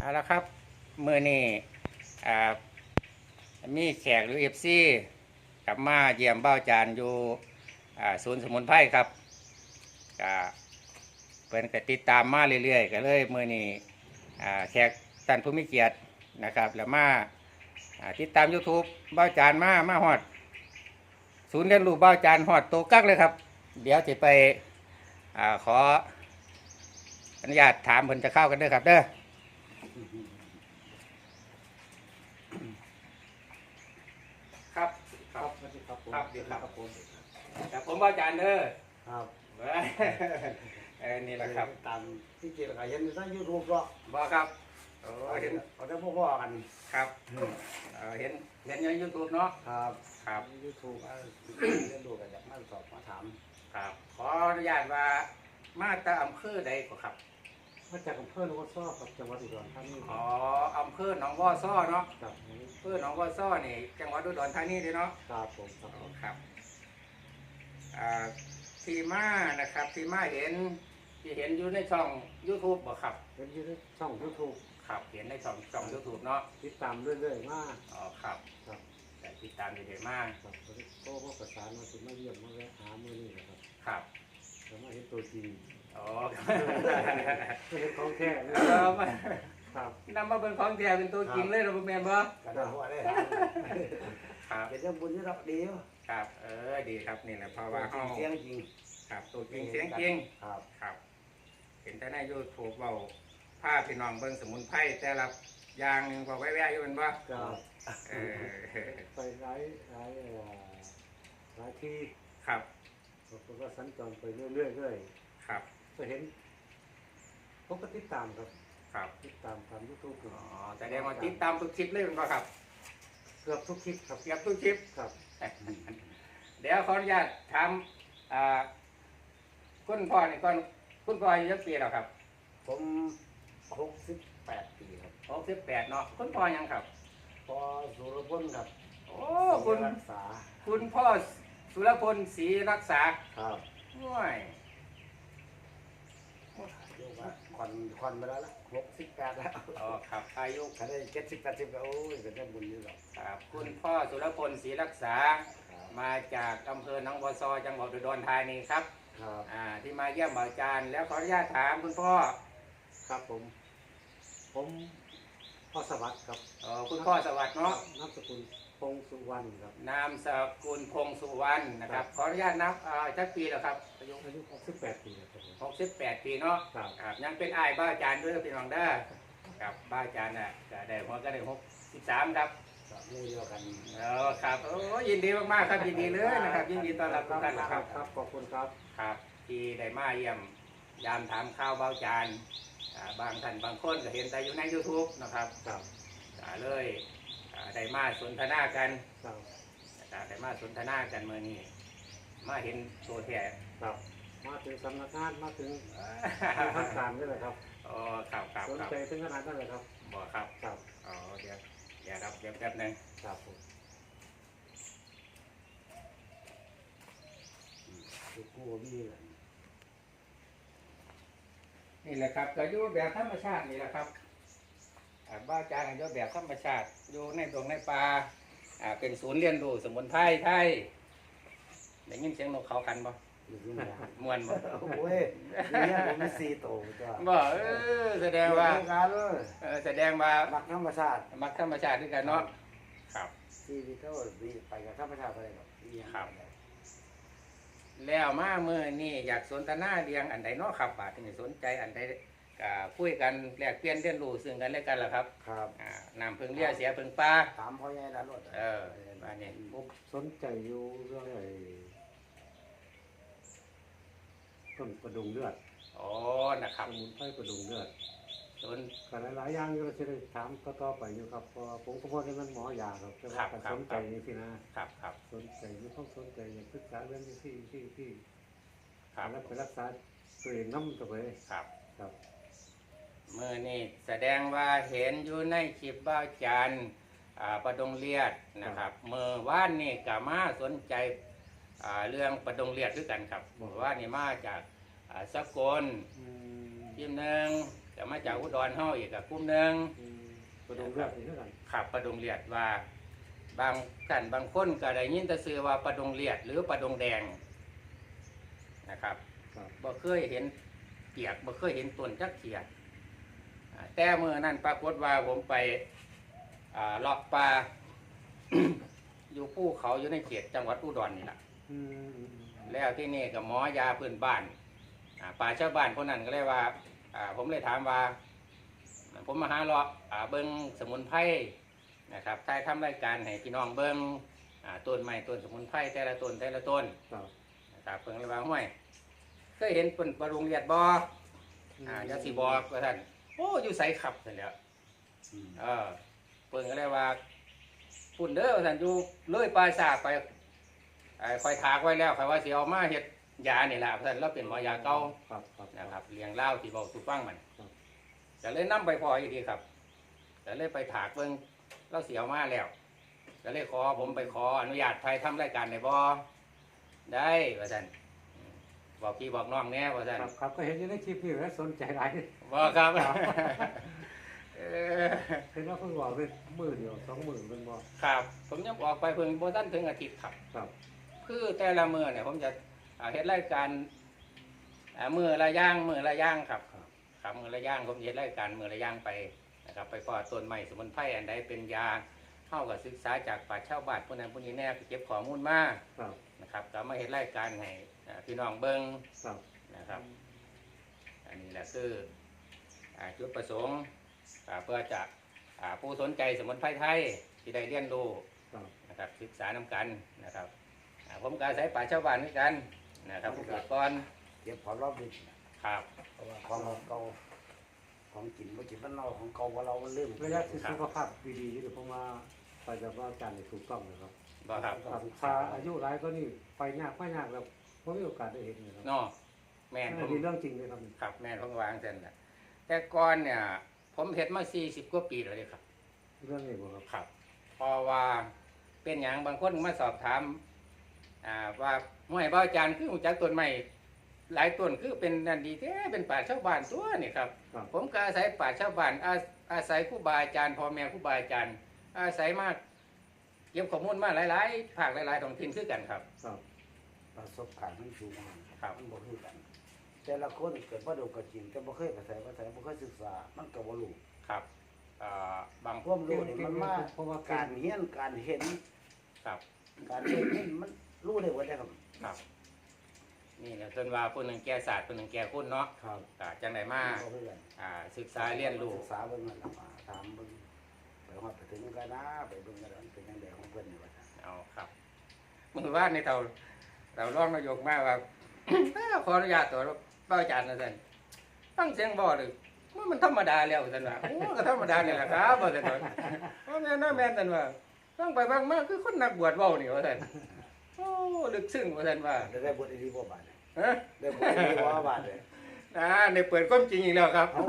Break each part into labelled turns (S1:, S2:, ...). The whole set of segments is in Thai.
S1: แล้วครับมือนี่อ่ามีแขกหรือFCกลับมาเยี่ยมเบ้าจานอยู่ศูนย์สมุนไพรครับก็เพิ่นก็ติดตามมาเรื่อยๆก็เลยมือนี่แขกท่านผู้มีเกียรตินะครับแล้วมาติดตาม YouTube เบ้าจานมาฮอดศูนย์เรียนรู้เบ้าจานฮอดโตกักเลยครับเดี๋ยวจะไปขออนุญาตถามเพิ่นจะเข้ากันเด้อครับเด้อครับ
S2: ครับสวัสดีครับผม
S1: ครับดีครับ
S2: ครับผม
S1: แต่ผมว่าอาจารย์เด้อ
S2: ครับ
S1: นี่แหละครับ
S2: ตามที่เกี่ยวกับเห็นในยูทูบก็
S1: บอกครับเห็น
S2: เขาจะพ่อกัน
S1: ครับเห็นในยูทูบเนาะ
S2: ครับ
S1: ครับ
S2: ยูทูบเรียนรู้กันจากมาสอบมาถาม
S1: ครับขออนุญาตว่ามาตาอำเภอใดก็ครับ
S2: มาจากอำเภอโนนซ้อครับจังหวัดอุดรธานี
S1: อ๋ออำเภอหนองบ่อซ้อเนาะ
S2: ครับ
S1: อำเภอหนองบ่อซ้อนี่จังหวัดอุดรธานีเด้เนาะ
S2: ครับผมครับ
S1: ครับที่มานะครับที่มาเห็นที่เห็นอยู่ในช่อง YouTube บ่ครับ
S2: เป็นยูทูบช่องยูทูบ
S1: ครับเห็นในช่อง YouTube เนาะ
S2: ติดตามเรื่อยๆมาก
S1: อ๋อครับ
S2: ครับ
S1: แต่ติดตามเรื่อยๆมาก
S2: ครับโตมาประสานมาถึงมาเยี่ยมมาแวะหามือนี่นะครับ
S1: ครับ
S2: แล้วมาเห็นตัวจริง
S1: อ๋อ
S2: เห็นของแท้เลยครับ
S1: นำมาเป็นของแท้เป็นตัวจริงเลยเราแม่นบ่
S2: กระดาษหัวได้
S1: ครับ
S2: เป็นเรื่องบุญที่เราดีว
S1: ครับดีครับนี่แหละเพราะว่าเฮา
S2: เสียงจริง
S1: ครับตัวจริงเสียงจริง
S2: ครับ
S1: ครับ เห็นแต่ใน YouTube เว้าพาพี่น้องเบิ่งสมุนไพรแต่ละอย่างหนึงก็แว่ๆอยู่แม่นบ่
S2: ครับ
S1: เออ
S2: ไปหลายที่
S1: ครับ
S2: ผมก็สัญจรไปเรื่อย
S1: ครับ
S2: ก็เห็นผมก็ติดตามครับ
S1: ครับ
S2: ติดตามทางยูทูบ
S1: อ๋อแสดงว่าติดตามทุกคลิปเลยแม่นบ่ครับ
S2: เกือบทุกคลิปครับ
S1: เกือบทุกคลิป
S2: ครับ
S1: เดี๋ยวขออนุญาตถามคุณพ่อนี่ก่อนคุณพ่ออายุจักปีแล้วครับ
S2: ผม68 ปีครับ
S1: 68เนาะคุณพ่อยังครับ
S2: พอสุรพลครับ
S1: โอ้คุณ
S2: รักษา
S1: คุณพ่อสุรพลศรีรักษา
S2: ครับ
S1: ห้วย
S2: เรียกว่าควันไปแล้วละ68แล้ว
S1: อ๋อครับอายุ
S2: ถ้าได้70 80ก็โอ้ยเป็นเรื่องบุญอยู่หรอก
S1: ครับคุณพ่อสุรพลศรีรักษา
S2: ครับ
S1: มาจากอำเภอหนองบัวซอจังหวัดอุดรธานีครับ
S2: ครับ
S1: ที่มาเยี่ยมอาจารย์แล้วขออนุญาตถามคุณพ่อ
S2: ครับผมพ่อสวัสดิ์ครับ
S1: คุณพ่อสวัสดิ์เนาะ
S2: นามสกุลพงสุวรรณครับ
S1: นามสกุลพงสุวรรณนะครับขออนุญาตนับจักปีแล้วครับอายุ
S2: อายุ68 ปีครับผม
S1: 68 ปีเนาะ
S2: ครับ
S1: ครับยังเป็นอ้ายบ้าอาจารย์ด้วยพี่น้องเด้อครับบ้าอาจารย์น่ะก็ได้หัวก็ได้63ครับ
S2: ก็หมู่เดียวกัน
S1: ครับโอ้ยินดีมากๆครับยินดีเลยนะครับยินดีต้อนรับทุกท่านนะครับ
S2: ครับขอบคุณครับ
S1: ครับที่ได้มาเยี่ยมยามถามข่าวบ้าอาจารย์บางท่านบางคนก็เห็นแต่อยู่ใน YouTube นะครับ
S2: ครับ
S1: เลยได้มาสนทนากัน
S2: ครับ
S1: ได้มาสนทนากันเมื่อนี้มาเห็นตัวแท้
S2: ครับมาถึงสำนักงานมาถึงทางการนี่แหละครับ
S1: อ๋อครับครับ
S2: สน
S1: ครับ
S2: ใจถึงขนาดนั้นเลยครับ
S1: บอกครับ
S2: ครับ
S1: อ๋อเดี๋ยวครับเดี๋ยวแป๊บหนึง
S2: ครับผมคือกู้บี้เลย
S1: นี่แหละครับก็อยู่แบบธรรมชาตินี่แหละครับบ้านอาจารย์ก็อยู่แบบธรรมชาติอยู่ในตรงในป่าเป็นศูนย์เรียนรู้สมุนไพรไทยได้ยินเสียงนกเขากันบ่
S2: อยู่ที่ไหน
S1: ม่วนบ่
S2: โอ้ยเนี่ยผมมี4โตจ้ะ
S1: บ่แสดงว่า
S2: การเลย
S1: แสดงว่า
S2: รักธรรมชาติ
S1: มักธรรมชาติด้วยกันเนาะครับ
S2: ชีวิตเขาดีไปกับธรรมชาติไปหรอก
S1: ครับ แล้วมาเมื่อนี่อยากสนทนาเรียงอันใดเนาะครับบาดที่สนใจอันใดก็คุยกันแลกเปลี่ยนเรียนรู้ซึ่งกันและกันล่ะครับ
S2: ครับ
S1: น้ำพึ่งเลี้ยเสียพึ่งปลา
S2: ถามพ่อใหญ่ละรถ
S1: บ้านนี้
S2: ผมสนใจอยู่เรื่องไอ้ต้นประดุงเลือด
S1: โอ้นะครับ
S2: สมุนไพรประดุงเลือด
S1: สน
S2: กันหลายๆอย่างเราจะได้ถามต่อไปอยู่ครับเพราะผมก็พอได้มันหมอยาครับแต่ว่าการสนใจนี่สินะครับ
S1: ครับ
S2: สนใจไม่ต้องสนใจอย่างศึกษาเรื่องที่
S1: ครับ
S2: แล้วไปรักษาตัวเองน้ำตัวเอง
S1: ครับ
S2: ครับ
S1: เมื่อนี่แสดงว่าเห็นอยู่ในคลิปบ้าจันประดงเลียดนะครับเมื่อวานนี่ก็มาสนใจเรื่องประดงเลียดด้วยกันครับเมื่อวานนี่มาจากสกล
S2: อืม
S1: ทีมหนึ่งก็มาจากอุดรเฮาอีกกับกลุ่มหนึง
S2: ประดงเลือดนี่เท่ากัน
S1: ขับประดงเลียดว่าบางกันบางคนก็ได้ยินแต่ชื่อว่าประดงเลียดหรือประดงแดงนะครับ
S2: ครับ
S1: บ่เคยเห็นเปียกบ่เคยเห็นต้นจักเขียดแต่เมื่อนั้นปรากฏว่าผมไปเลาะป่า อยู่ภูเขาอยู่ในเขตจังหวัดอุดรนี่แหละ
S2: อืม
S1: แล้วที่นี่กับหมอยาพื้นบ้านป่าชาวบ้านคนนั้นก็เลยว่าผมเลยถามว่า ผมมาหาเลาะเบิ้งสมุนไพรนะครับใช้ทำรายการให้พี่น้องเบิ้งต้นไม้ต้นสมุนไพรแต่ละต้นแต่ละต้น
S2: ครับ
S1: นะครับเพิ่งเลยว่าห้วยเคยเห็นเป็นปลารุงเลียดบ่ยาสีบอกว่าท่านโอ้อยู่ใสขับเสร็จแล้วเพิ่งก็เลยว่าปุ่นเด้อว่าท่านอยู่เลยปลายสากไปคอยถากไว้แล้วคอยว่าสิเอามาเฮ็ดยานี่แหละท่านเราเป็นหมอยาเก่า
S2: ครับครับ
S1: นะครับเลี้ยงเล่าที่บอกสุฟังมัน
S2: ครับ
S1: จะเลยนํไปพออีกทีครับจะเลยไปถากเบิ่งเราเสียวมาแล้วจะเลยผมไปขออนุญาตไทยทำรายการในบ่ได้ว่าท่านบอกพี่บอกน้องแน่ว่าท่าน
S2: ครับครับก็เห็นอยู่ในคลิปนี่แล้วสนใจหลาย
S1: บ่ครับเออ
S2: เห็นว่าเพิ่งบอกเป็นมือเดียว2 มือเป็นบ่
S1: ครับผมยังออกไปเพิ่งบ่ทันถึงอาทิตย์ครับ
S2: ครับ
S1: คือแต่ละมื้อเนี่ยผมจะเฮ็ดรายการมื้อละอย่างครับ ครับมือละย่างผมเฮ็ดรายการมือละย่างไปนะครับไปพอต้นไม้สมุนไพรอันใดเป็นยาเข้ากับศึกษาจากป่าชาวบ้านผู้นั้นผู้นี้แน่ไปเก็บข้อมูลมา
S2: ครับ
S1: นะครับก็มาเฮ็ดรายการให้พี่น้องเบิ่ง
S2: ครับ
S1: นะครับอันนี้แหละคือจุดประสงค์เพื่อจะผู้สนใจสมุนไพรไทยที่ได้เรียนรู้
S2: ครับ
S1: นะครับศึกษานำกันนะครับผมก็อาศัยป่าชาวบ้านเหมือนกันนะครับผู้เกิดก่อน
S3: เก็บของรอบดึก
S1: ครับ
S3: เพราะว่าของเก่าของกินบ่กินมันเน่าของเก่าว่าเรามันลืม
S2: ระยะที่สุขภาพดีๆอยู่ผมว่าไปจากว่าการในถูกต้องนะครับ
S1: บ่ครับ
S2: ครับถ้าอายุหลายก็นี่ไปยากแล้วผมมีโอกาสได้เห็นนะครับ
S1: เนาะแม่นผ
S2: อัน
S1: ม
S2: นี้เรื่องจริงเลยครับ
S1: ครับแม่นผมวางเส้นแหละแต่ก่อนเนี่ย ผมเฮ็ดมา40 กว่าปีแล้วเด้ครับ
S2: เรื่องนี้บ่ครับ
S1: ครับเพราะว่าเป็นอย่างบางคนมาสอบถามว่าห้วยบ่าวอาจารย์คือรู้จักต้นไม้หลายต้นคือเป็นนั่นดีแท้เป็นป่าชาวบ้านตัวนี่ครับ
S2: ครับ
S1: ผมก็อาศัยป่าชาวบ้านอาศัยครูบาอาจารย์พ่อแม่ครูบาอาจารย์ อาศัยมากเก็บข้อมูลมาหลายๆภาคหลายๆท้องถิ่นคือกันครับ
S2: ครับ
S3: ประสบการณ์มันสูงมาก
S1: ครับ
S3: มันบ่คือกัน แต่ละคนเกิดบ่ดูก็จริงแต่บ่เคยไปใส่บ่เคยศึกษามันก็บ่รู้
S1: ครับบาง
S3: ความรู้นี่มันมา
S2: เพราะว่า
S3: การเรียนการเห็น
S1: ครับ
S3: การเห็นนี่มันรู้ได้หมดเลยครับ
S1: ครับนี่แหละจนว่าคนหนึ่งแก่ศาสตร์คนหนึ่งแก่คุณเนาะ
S3: ครับ
S1: จังไดมา
S3: บ่คือกัน
S1: ศึกษาเรียนรู้
S3: ศึกษาเบิ่งนั่นล่ะมาถามเบิ่งไปฮอดไปถึงกันนะไปเบิ่งกันว่ามันเป็นจังไดของเพิ่นนี่ว่าซั่น
S1: เอาครับมือว่าในเราร้องนายกมาว่า ขออนุญาตตัวเป้าอาจารย์นะท่านฟังเสียงบ่เลยมันธรรมดาแล้วท่านว่าโอ้ก็ธรรมดานี่แหละครับว่าท่านว่าแม่นนะแม่นท่านว่าฟังไปฟังมาคือคนนักบวชเว้านี่ว่าท่านโอ้ลึกซึ้งว่าท่านว่า
S3: ได้บทดีบ่บาดเนี่ย
S1: ฮะ
S3: ได้บทดีบ่บาดเลย
S1: ในเปิดความจริงอีกแล้วครับ
S3: เอา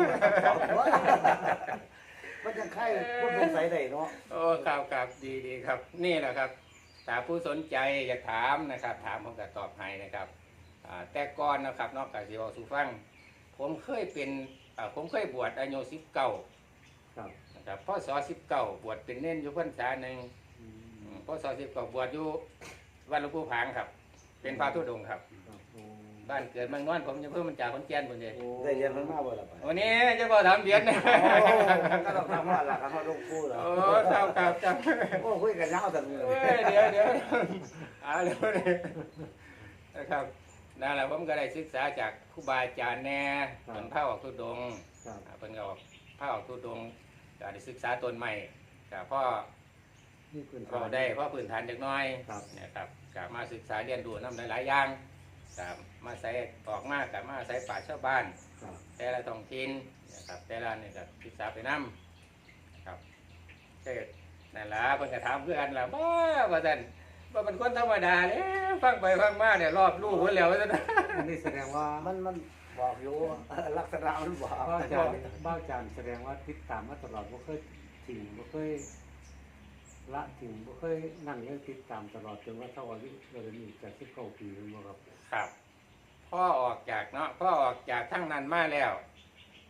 S3: มันจะไข่ผู้สงสัยได้เนาะ
S1: โอ้ครับดีครับ นี่แหละครับถ้าผู้สนใจอยากถามนะครับ ถามผมก็ตอบให้นะครับแต่ก่อนนะครับนอกจากสิเว้าสู่ฟังผมเคยเป็นผมเคยบวชอายุ19
S2: ครับ
S1: นะครับพศ19บวชเป็นเน้นอยู่พรรษาหนึ่ง
S2: อืม
S1: พศ19บวชอยู่วัดหลวงปู่ผางครับ เป็นพระธุดงค์ครับ
S2: ครับโอ้
S1: บ้านเกิดเมืองนอนผมจะเพิ่มมันจากขอนแก่นพุ่นเด้
S2: โอ้
S3: ได้เรียนมันมาบ่ล่ะไป
S1: วันนี้จะบ่ถามเบียนนะ
S3: ก็ต้องทำว่าหลักการเขาลงพูดเหรอ
S1: โอ้ครับ
S3: โอ้คุยกันยาวแต่มือ
S1: เอ้ยเดี๋ยวเร็วเลยนะครับนั่นแหละผมก็ได้ศึกษาจากครูบาอาจารย์แน่เป็นพระออกทุดงค์
S2: ครับ
S1: เป็นก็ออกพระออกทุดงค์ก็ได้ศึกษาต้นใหม่กับพ่อ
S2: นี่เป็น
S1: เราได้พ่อพื้นฐานเด็กน้อย
S2: ครับ
S1: นะครับกับมาศึกษาเรียนรู้น้ำหลายๆอย่างกับมาใส่ออกมากับมาใส่ป่าชาวบ้าน
S2: ครับ
S1: แต่ละท้องถิ่นนะครับแต่ละนี่ก็ศึกษาไปนำครับเกิดนั่นล่ะเพิ่นก็ถามเพื่อนล่ะว่าซั่นว่าเป็นคนธรรมดาแล้วฟังไปฟังมาเนี่ยรอบรู้เพิ่นแล้วว่าซั่น
S2: อันนี้แสดงว่า
S3: มันบอกอยู่ลักษณะมันบอก
S2: บ้าจารย์แสดงว่าติดตามมาตลอดบ่เคยทิ้งบ่เคยละทิ้งบ่เคยนั่งยังติดตามตลอดจนว่าเท่าอายุเราจะมีจาก19 ปีแม่นบ่ครับ
S1: ครับพ่อออกจากเนาะพ่อออกจากทั้งนั้นมาแล้ว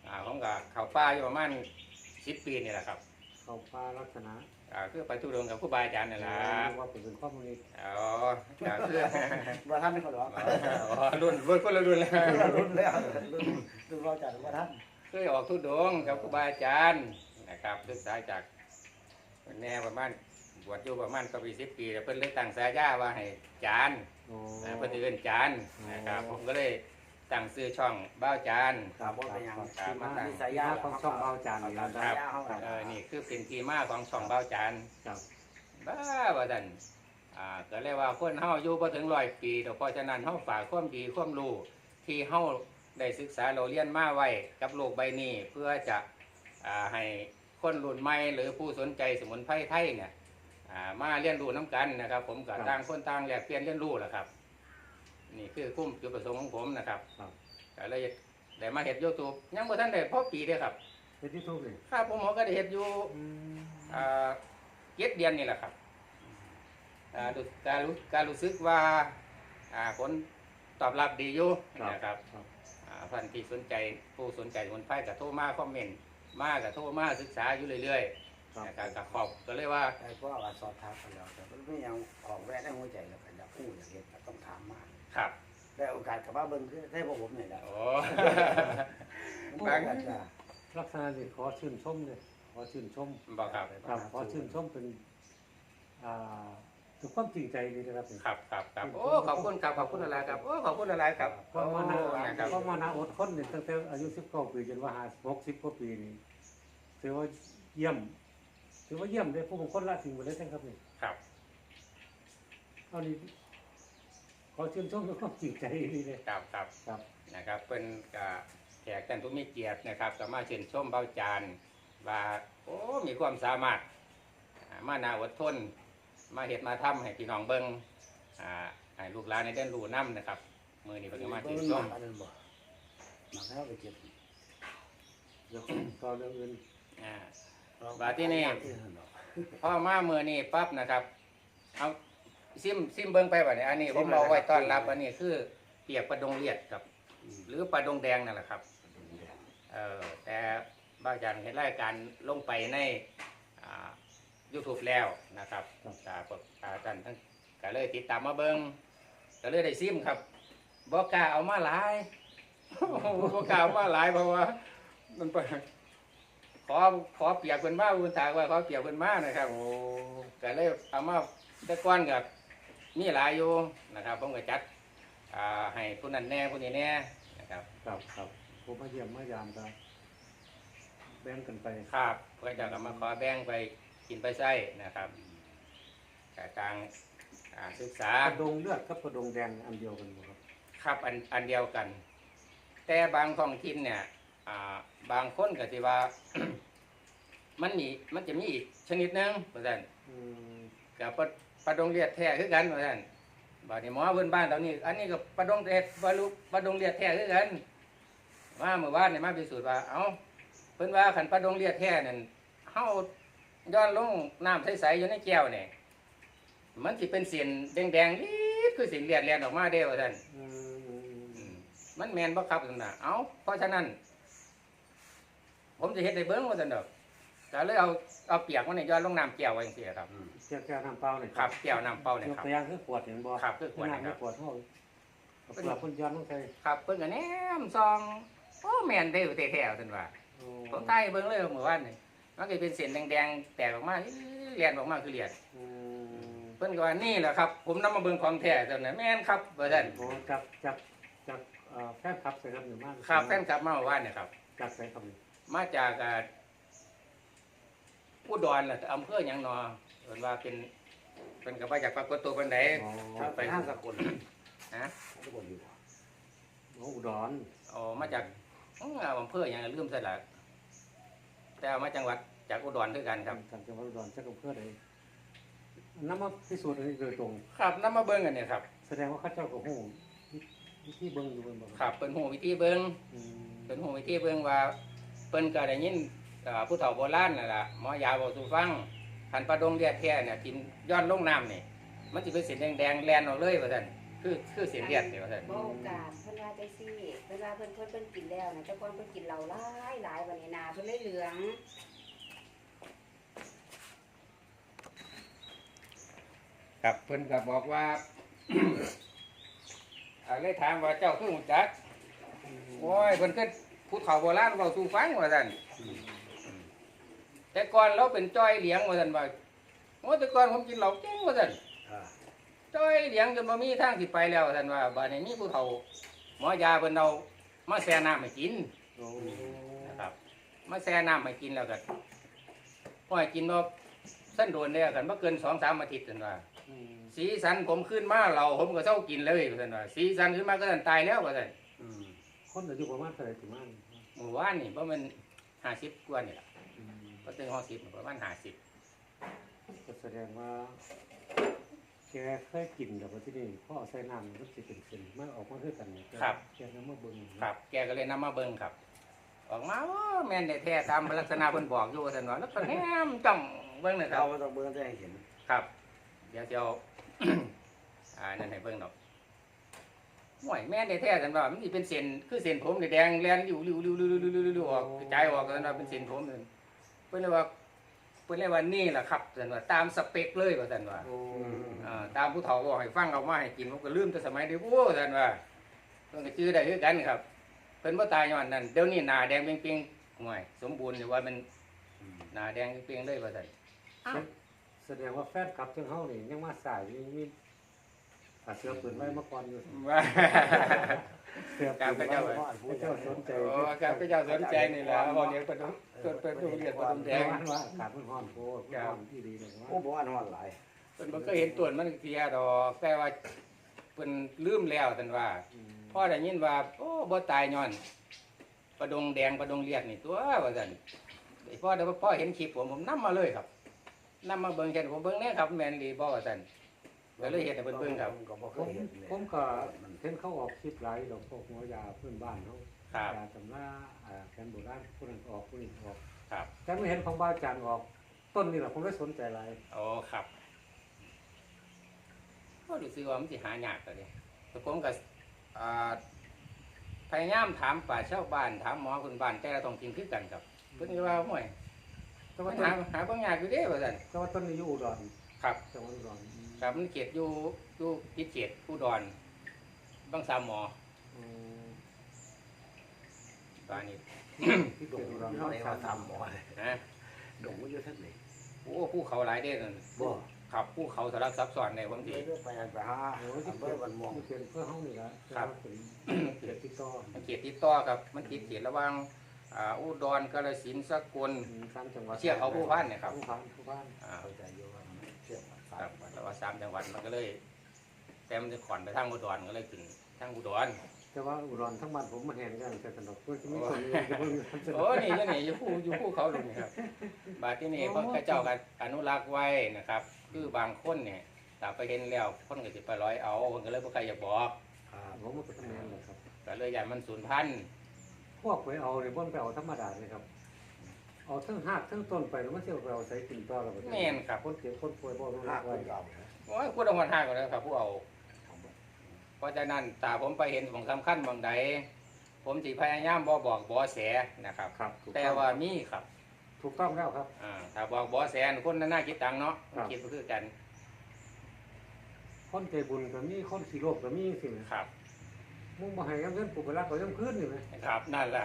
S1: ผมก็เข้าป่าอยู่ประมาณ10 ปีนี่แหละครับ
S2: เขาป้าลักษณะ
S1: คือไปทุรดงกับครูบาอาจารย์นี่แหละ
S2: ว่าเป็นข้อมูลนี้
S1: อ๋อก็คือ
S3: บ่ทันนี่เขาดอก
S1: รุ่นคนละรุ่นแล้ว
S3: รุ่นแล้วรุ่นเราจัดบ่ทัน
S1: เคยออกทุรดงกับครูบาอาจารย์นะครับศึกษาจากแน่ประมาณบวชอยู่ประมาณก็ปี10 ปีแล้วเพิ่นเลยตั้งฉายาว่าให้จาน
S2: โอ้
S1: เพิ่นสิเอิ้นจานนะครับผมก็เลยตั้งชื่อช่องบ้าวจาน
S3: ครับบ่เป็นหยัง
S2: ที่มา
S3: มี
S2: ที่
S3: สายยา
S2: ของช่องเบาจานนี่
S3: ครั
S2: นะ
S3: บ
S2: ค
S3: สา
S2: รั
S3: ย
S2: บ
S3: ยาเฮาครับ
S1: นี่คือเป็นที่มาของช่องบ้าวจาน
S2: ครับ
S1: บ้าว่าซั่นก็เรียกว่าคนเฮาอยู่บ่ถึง100 ปีแต่เพราะฉะนั้นเฮาฝากความดีความรู้ที่เฮาได้ศึกษาเราเรียนมาไว้กับโลกใบนี้เพื่อจะให้คนรุ่นใหม่หรือผู้สนใจสมุนไพรไทยเนี่ยมาเรียนรู้น้กันนะครับ ผมก็ต่างคนต่างแลกเปลี่ยนเรียนรู้แหละครับ นี่คือคุ้มจุดประสงค์ของผมนะครับก็เลยได้มาเฮ็ด YouTube ยังบ่ทันได้พอปีเด้อครับ
S2: เป็นที่ทุกเลย
S1: ครับผมก็ได้เฮ็ดอยู่7 เดือนนี่แหละครับการรู้สึกว่าผลตอบรับดีอยู่นะครับท่านที่สนใจผู้สนใจสมุนไพรก็โทรมาคอมเมนต์มาก็โทรมาศึกษาอยู่เรื่อยๆนะครับก็ขอบก็เลยว่า
S3: ไอ้พวกว่าสอบถามกันแล้วแต่มันไม่ยังออกแวะในหัวใจแล้วกันอยากพูดอยากเห็นก็ต้องถามมา
S1: ครับ
S3: ได้โอกาสกับว่าเบิ่งคือได้พวกผมนี่แหละ
S1: โอ้
S3: บางจะ
S2: ลักษณะนี้ขอชื่นชมเลยขอชื่นชม
S1: บอกครับ
S2: ครับขอชื่นชมเป็นถึงความจริงใจดีนะครับ
S1: ครับโอ้ขอบคุณครับขอบคุณอะไรครับโอ้ขอบคุณอะไรครับ
S2: เพราะว่านา
S1: นะครับ
S2: เพราะว่านาอดทนเนี่ยตั้งแต่อายุ19 ปีจนว่า60 กว่าปีนี่ถือว่าเยี่ยมถือว่าเยี่ยมเลยผู้บางคนละสิ่งหมดเลยนะครับนี่
S1: ครับ
S2: เอานี่ขอชื่นชมด้วยความจริงใจดีเลย
S1: ครับ
S2: ครับ
S1: นะครับเป็นแขกท่านผู้มีเกียรตินะครับก็มาเชิญชมเบาจานว่าโอ้มีความสามารถมานาอดทนมาเฮ็ดมาทำให้พี่น้องเบิ่งให้ลูกหลานในเด่นรู้น้ำนะครับมือนี้เพิ่นก็มาเชิญชม
S3: อันนั้นบ่มาแล้วไปเก็บ
S2: เดี๋ยวต่อเรื่องอื่น
S1: บาดที่นี่พอมามือนี้ปั๊บนะครับเอาซิมเบิ่งไปบัดนี้อันนี้ผมเอาไว้ต้อนรับอันนี้คือเปียกปลาดงเลียดครับ หรือปลาดงแดงนั่นแหละครับแต่บ้าจันเห็นรายการลงไปในYouTube แล้วนะครับท่านทั้งก็เลยติดตามมาเบิ้งก็เลยได้ซิมครับบอกกล้าเอามาหลาย บอกกล้าเอามาหลายเพราะว่ามันขอเปียกเป็นมาคุณถากว่าขอเปียกเป็นมานะครับโอ้ก็เลยเอามาได้ก้อนกับมีหลายอยู่นะครับผมก็จัดให้ผู้นั้นแน่ผู้นี้แน่นะครับ
S2: ครับผมมาเยี่ยมมายามครับแบ่งกันไป
S1: ครับเพื่อจะกลับมาขอแบ่งไปกินไปใช้นะครับแต่ทางศึกษาก
S2: ระดงเลือดกับกระดงแดงอันเดียวกันบ่ครับ
S1: ครับอันเดียวกัน แต่บางท้องถิ่นเนี่ยบางคนก็ที่ว่า มันจะมีอีกชนิดหนึงเพราะฉะนั้น
S2: อืม
S1: กับปลาดงเลียดแท้คือกันเพราะฉะนั้นบาดนี้หมอพื้นบ้านตอนนี้ อันนี้ก็ปลาดงเลียดปลาดงเลียดแท้คือกันมาเมื่อวานเนี่ยมาพิสูจน์ว่าเอ้าเพิ่นว่าขันปลาดงเลียดแท้นั่นเฮาย้อนลงน้ำใสๆอยู่ในแก้วเนี่ยมันสิเป็นเสียนแดงๆนิดคือสินเลียดออกมาเด้อว่าซั่น
S2: อืม
S1: มันแม่นบ่ครับซั่นน่ะเอ้าเพราะฉะนั้น ผมจะเฮ็ดให้เบิ่งว่าซั่นดอกก็เลยเอาเปียกมันนี่ย้อนลงน้ำแก้วไว้จังซี่ครับ
S2: แก้วน้ำเปล่าเนี่ย
S1: ครับแก้วน้ำเปล่าเนี่ย
S2: ยก
S1: ครับ
S2: ตัวอย่างคือขวดเห็นบ่
S1: ครับคือขวด
S2: น้ำ
S1: นะค
S2: ไม่
S1: รับ
S2: ขวดเท่าเอาเปลือกคนย้อนลงไป
S1: ครับเพิ่นก็แนมซองโอ้แม่นเด้อแท้ๆซั่นว่า
S2: โอ้
S1: ผมใต้เบิ่งเลยเมื่อวานนี่มันก็เป็นเส้นแดงๆแตกออกมาเลียนออกมาคือเลียด
S2: อืม
S1: เพิ่นก็ว่านี่แหละครับ ผมนำมาเบิ่งของแท้ซั่นน่ะแม่นครับว่าซั่น
S2: โอ้จากแฟนคลับใส่ครับหนึ่งมาก
S1: ครับแฟนคลับมาเมื่อวานนี่ครับ
S2: จากใส่ครับนี่
S1: มาจากอุดรล่ะอำเภอหยังหนอเพิ่นว่าเป็นก็มาจากปรากฏตัวเพิ่นใด
S2: อ๋อ
S3: ไปห้างสกุล
S1: นะ
S3: สกุลอยู่
S2: อุดร
S1: อ๋อมาจากอำเภอหยังลืมซะละแต่ว่ามาจังหวัดจากอุดรคือกันครับ
S2: จากจังหวัดอุดรจากอำเภอใดน้ำมาพิสูจน์อันนี้โดยตรง
S1: ครับนำมาเบิ่งกันเนี่ยครับ
S2: แสดงว่าเข้าเจ้ากับหูที่เบิ้งอยู่บนบ่
S1: ครับเพิ่นฮู้วิธีเบิ่ง
S2: อืม
S1: เป็นหูวิธีเบิ่งว่าเพิ่นก็ได้ยินผู้เฒ่าโบราณนั่นล่ะหมอยาบอกสู่ฟังคันปลาดงเลียดแท้เนี่ยกินย้อนลงน้ำนี่มันสิเป็นสีแดงๆแลนออกเลยว่าซั่นคือเสียเลียดนี่ว่าซั่น
S4: บ่โอกาสเพิ่นว่าจังซี่เพิ่นว่าเพิ่นกินแล้วนะแต่ก่อนเพิ่นกินเหล้าหลายวันนี้นาเพิ่นเลยเหลือง
S1: ครับเพิ่นก็บอกว่า เลยถามว่าเจ้าคือหูจักโอ้ยเพิ่นก็ผู้เฒ่าโบราณเว้าสู่ฟังว่าซั่นแต่ก่อนเราเป็นจ้อยเหลียงว่าซั่นว่าโอ้แต่ก่อนผมกินเหล้าเก่งว่าซั่น
S3: อ่า
S1: จ้อยเหลียงจนบ่มีทางสิไปแล้วว่าซั่นว่าบัดนี้มีผู้เฒ่าหมอยาเพิ่นเอามาแช่น้ำให้กิน
S2: โอ้
S1: นะครับมาแช่น้ำให้กินแล้วก็พอให้กินบ่สั้นโดนแล้วกันบ่เกิน 2-3 อาทิตย์ซั่นว่า
S2: อืม
S1: สีสันผมขึ้นมาเราผมก็เศร้ากินเลยว่าซั่นว่าสีสันขึ้นมาก็ตายแล้วว่าซั่น
S3: อืม
S2: คนอายุประมาณเท่าไหร่ถึงมัน
S1: เมื่อวานนี่ประมาณ50กว่านี่ล่ะ
S2: อืม
S1: บ่ถึง60ประมาณ50
S2: ก็แสดงว่าแกเคยกินแต่ว่าที่นี่พ่อเอาใส่น้ำมันสิเป็นเส้นมันออกมาคือกันเนี่ยแกนำมาเบิ่ง
S1: ครับ แกก็เลยนำมาเบิ่งครับ ออกมาว่าแม่นแท้ๆตามลักษณะเพิ่นบอกอยู่ว่าซั่นว่าแล้วก็แนมจ้องเบิ่งนะครั
S3: เรา
S1: บ
S3: ไม่ต้องเบิ่งจะให้เห็น
S1: ครับ เดี๋ยวจะเอา นั่นให้เบิ่งดอกห่วยแม่นแท้ๆซั่นว่ามันสิเป็นเส้นคือเส้นผมแดงๆแล่นอยู่ริ้วๆๆๆๆออกกระจายออกซั่นว่าเป็นเส้นผมนั่นเพิ่นเลยว่านี่ล่ะครับซั่นว่าตามสเปคเลยว่าซั่นว่า
S2: โอ้
S1: ตามผู้เฒ่าบอกให้ฟังเอามาให้กินผมก็ลืมแต่สมัยเด็กโอ้ท่านว่าเพิ่นก็ชื่อได้คือกันครับเพิ่นบ่ตายย้อนนั้นเดี๋ยวนี้หน้าแดงเปรี้ยงๆห่วยสมบูรณ์อยู่ว่ามันหน้าแดงเปรี้ยงๆเลยว่าซั่น
S2: แสดงว่าแฟนคลับจังเฮานี่ยังมาสายยังมีเสือปืนไว้มาก่อนอยู่
S1: ว่า
S2: เสือปืนไว้พระเจ้าสนใจ
S1: โอ้ครับพระเจ้าสนใจนี่ล่ะบ่เลี้ยงปลาดุกเพิ่นเรียกปลาดุกแดง
S2: ว่าอากาศมันร้อนโพดร้อนที่ดีเลย
S3: โอ้บ่ว่านอนหลาย
S1: เพิ่นบ่เคยเห็นต้นมันเทียดอกแต่ว่าเพิ่นลืมแล้วท่านว่าพอได้ยินว่าโอ้บ่ตายย้อนปลาดงแดงปลาดงเลียดนี่ตัวว่าซั่นไอ้พ่อเห็นคลิปผมนำมาเลยครับนำมาเบิ่งแค่ผมเบิ่งแน่ครับแม่นอีบ่ว่าซั่นก็เลยเฮ็ดให้เพิ่นเบิ่งครับ
S3: ก็บ่เค
S2: ผม
S3: ยเห็นเลย
S2: ผมก็เห็นเขาออกคลิปหลายดอกพวกหัวยาเพื่อนบ้านเขา
S1: ครับ
S2: ยาตำราแคนโบราณผู้นั้นออกผู้นี้ออก
S1: ครับ
S2: แต่ไม่เห็นของบ้านจานออกต้นนี่แหละผมได้สนใจหลาย
S1: โอ้ครับก็รู้สึกว่ามันสิหายากตัวเด้แต่ผมก็อ่าพยายามถามป่าชาวบ้านถามหมอคนบ้านแต่ละท้องถิ่นคือกันครับเพิ่นก็ว่าห่วย
S2: แต่
S1: มั
S2: ว่าน ต้น
S1: หาเบิ่งยากอยู่เด้ว่าซั่น
S2: แต่ว่าต้นนี้อยู่อุดร
S1: ครับ
S2: จังหวัดอุดร
S1: ครับมันเขตอยู่ติดเขตอุดรบางสามหมอ
S2: อืม
S1: บ้านนี้
S2: ที่
S3: ด
S2: เกิ
S3: ง
S2: ดอุ
S3: อยู่
S2: ดร
S3: ที่
S2: เขา
S3: ไหน
S2: สา
S3: ว่าม ตามหมอเลย
S1: นะ
S3: ดงมันอยู่ที่ไหน
S1: โอ้ภูเขาหลายเด้นั่น
S3: บ่
S1: ครับภูเขาสลับซับซ้อนในบางที
S3: ไปไปหา
S2: โอ้ยที่
S3: อำเภ
S2: เกิ
S3: อ
S2: ด
S3: บ้านม่วง
S2: ที่เกิดเพื่อเฮานี่ละ
S1: ครับ
S2: เป็นเกิดที่ต่อ
S1: มันเขตติดต่อครับมันติดเขตระหว่างอุดรกาฬสินธุ์สกล
S2: สามจังหวัด
S1: เชือกเขาผู้พันเนี่ยครับ
S2: ผู้พัน
S3: เข้าใจอยู่ว่ามันเชื่อม
S1: ครับแต่ว่า3 จังหวัดมันก็เลยแต่มันจะขอนไปทางอุดรก็เลยขึ้นทางอุดร
S2: แต่ว่าอุดรทั้งบ้านผมมาแห่งกันแต่สนุกเพื่อที่มีคนอยู่ที่เพิ่งสนุก
S1: โอ้นี่อยู่ภูเขาลุงครับบาดที่นี่เพิ่นก็เจ้ากันอนุรักษ์ไว้นะครับ คือบางคนเนี่ยถ้าไปเห็นแล้วคนก็สิไปร้อยเอาเพิ่นก็เลยบ่ใครอยากบอก
S3: ครับ
S2: ผมมันก็ทำงานแหละครับ
S1: ก็เลยอยากมันสูญพันธุ์
S2: พวกไปเอาเนี่ยบ่นไปเอาธรรมดาเลยครับ เอาทั้งหากทั้งต้นไปแล้วมันเที่ยวไปเอาใส่กินต่อแล้วก็
S1: แม่นครับ
S2: คนเก็บคนป่วยบ่รู้
S3: ห้า
S2: รัก
S3: ค
S2: ไว้
S3: นเก่า
S1: โอ้ยพูดเอาหัวหน้าก่อนนะครับผู้เอา เพราะฉะนั้นถ้าผมไปเห็นของสำคัญบางใดผมสิพยายามบ่บอกบ่แสนะครับ
S2: ครับถูก
S1: แต่
S2: ต้อง
S1: ว่ามีครับ
S2: ถูกต้องแล้วครับ
S1: ถ้าบอกบ่แสคนนั้นน่าคิดตังค์เนาะ
S2: ครับ
S1: คิดก็คือกัน
S2: คนใจบุญก็มีคนขี้โลภก็มีสิ
S1: ครับ
S2: มึงบ่ให้เงินกูไปรักเขายังคืนนี่ไหม
S1: ครับนั่นแหละ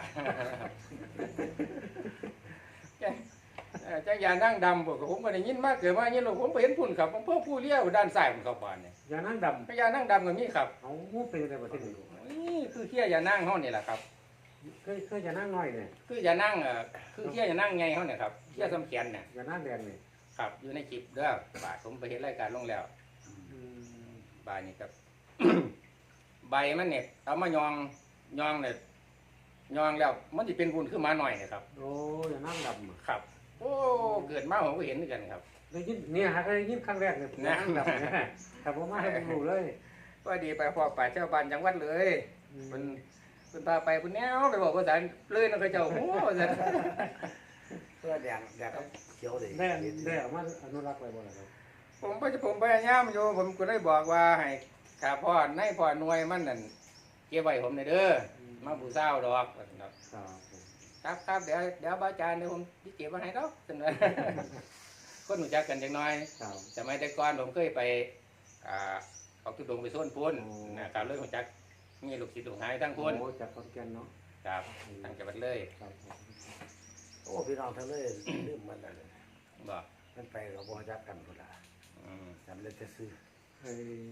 S1: จักยานั่งดำผมก็ได้ยินมากเกิดมายินหรอกผมไปเห็นพุ่นครับผมเพิ่มผู้เลี้ยวด้านซ้ายของเขาบ้านเนี่ย
S2: อย่านั่งด
S1: จักยานั่งดำก็มีครับ
S2: ำเอางูเป็นอะไรประเทศนี้
S1: นี่คือเขี้ยยานั่งเขานี่แหละครับ
S2: เคยอย่านั่งน้อยเนี่ย
S1: คือยานั่งคือเขี้ยยานั่งไงเขาเนี่ยครับเขี้ยสำเขียนเนี่ย
S2: อย่านั่งแดงเนี่ย
S1: ครับอยู่ในคลิปเด้อบาทผมไปเห็นรายการลงแล้ว
S2: อืม
S1: บาทนี่ครับ ใบมันเนี่ยเอามายองเนี่ยยองแล้วมันจะเป็นบุญขึ้นมาหน่อยนะครับ
S2: โอ้อย่านั่งดำอะ
S1: ครับ โอ้เกิดมาผมก็เห็นเหมือนกันครับ
S2: ได้ยินเนี่ยฮะได้ยินครั้งแรกเนี่ยผมนั่งดำเนี่ยแต่ผมมาให้ผมรู้เลย
S1: ว่าดีไปพอป่าเจ้าบ้านจังหวัดเลยมันพาไปพุ่นแนวไปบอกภาษาเลยนะก็เจ้าโอ้ภาษา
S3: เพื่อแดงก็เขียวเลย
S2: ได้เอามาอนุรักษ์ไว้บ่ล่ะครับ
S1: ผมพยายามอยู่ผมก็ได้บอกว่าให้ครับพ่อในพ่อหน่วยมันนั่นเก็บไว้ผมหน่อยเด้อมาบูเศร้าดอกว่าซั่นดอก
S2: ครับผม
S1: ครับเดี๋ยวบ้าจานเดี๋ยวผมสิเก็บไว้ให้ดอกซั่นว่า คนรู้จักกันจังน้อย
S2: ครับ
S1: สมัยแต่ก่อนผมเคยไปออกทุดงค์ไปโซนพุ่น
S2: โอ้
S1: นะครับเลยรู้จักมีลูกศิษย์ลูกหาทั้งพุ่น
S2: โอ้จากขอนแก่นเนาะ
S1: ครับทางจังหวัดเลย
S2: ครับผม
S3: โอ้พี่น้องทั้งเลย ลืมมันแล้วเลย
S1: บอก
S3: มันไปกับบ่จักกันพุ่นล่ะ
S1: อืม
S3: จำเลยจะซื้อ
S2: ให้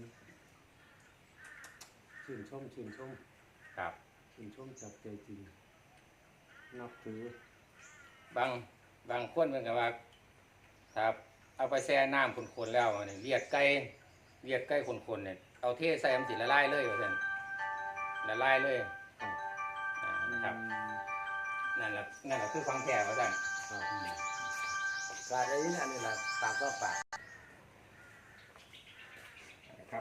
S2: ชื่นชม
S1: ครับ
S2: จากใจจริงนับถือบ
S1: างคนเป็นกับว่าครับเอาไปแช่น้ำคนๆแล้วเนี่ยเลียดไก่คนๆเนี่ยเอาเทใส่มันสิละลายเลยว่าซั่นละลายเลย
S2: ครับ
S1: นะครับนั่นแหละคือฟังแท้ว่าซั่น
S2: ครับ
S3: การได้ยินอันนี้ล่ะปากก็ปาก
S1: นะครับ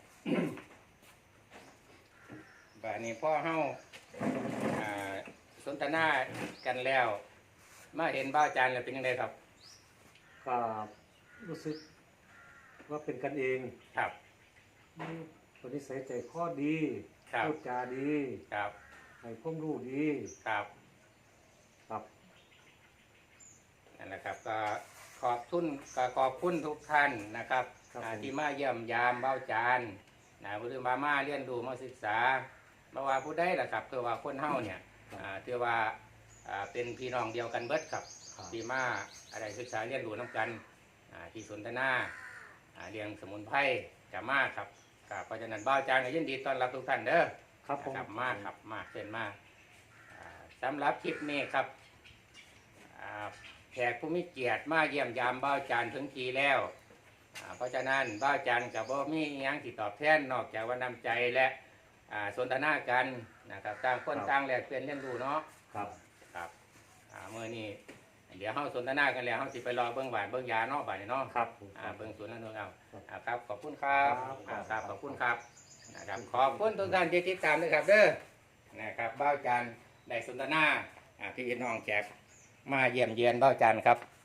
S1: แบบนี้พ่อเฮาอ่าสนทนากันแล้ว มาเห็นบ้าวจานแล้วเป็นยังไงครับ
S2: ก็รู้สึกว่าเป็นกันเอง
S1: ครับ
S2: คนนี้ใส่ใจข้อดี
S1: ครับ
S2: พูดจาดี
S1: ครับ
S2: ให้ความรู้ดี
S1: ครับ
S2: ครับ
S1: นั่นแหละครับก็ขอบคุณทุกท่านนะครับ
S2: ครับผม
S1: ที่มาเยี่ยมยามบ้าวจานหรือมาเรียนรู้มาศึกษาบ่ว่าผู้ใดล่ะครับคือว่าคนเฮาเนี่ยถือว่าเป็นพี่น้องเดียวกันเบิดครับ
S2: ครับ
S1: ที่มาอะไรศึกษาเรียนรู้น้ำกันที่สนทนาเรียงสมุนไพรกับมาครับเพราะฉะนั้นบ้าวจานก็ยินดีต้อนรับทุกท่านเด้อ
S2: ครับผม
S1: นะครับมาครับมาเชิญมาสำหรับคลิปนี้ครับแขกผู้มีเกียรติมาเยี่ยมยามบ้าวจานถึงทีแล้วเพราะฉะนั้นบ้าวจานกับบ่มีอิหยังที่ตอบแทนนอกจากว่านำใจและสนทนากันนะครับต่างคนต่างแลกเปลี่ยนเรียนรู้เนาะ
S2: ครับ
S1: ครับเมื่อนี้เดี๋ยวเฮาสนทนากันแล้วเฮาสิไปรอเบิ่งหวานเบิ่งยาเนาะบัดนี้เนาะ
S2: ครับผม
S1: เบิ่งสวนแล้วเนาะเอาครับขอบคุณครับ
S2: ครับ
S1: ครับขอบคุณครับนะครับขอบคุณทุกท่านที่ติดตามด้วยครับเด้อนะครับบ้าวจานได้สนทนาพี่น้องแขกมาเยี่ยมเยียนบ้าวจานครับ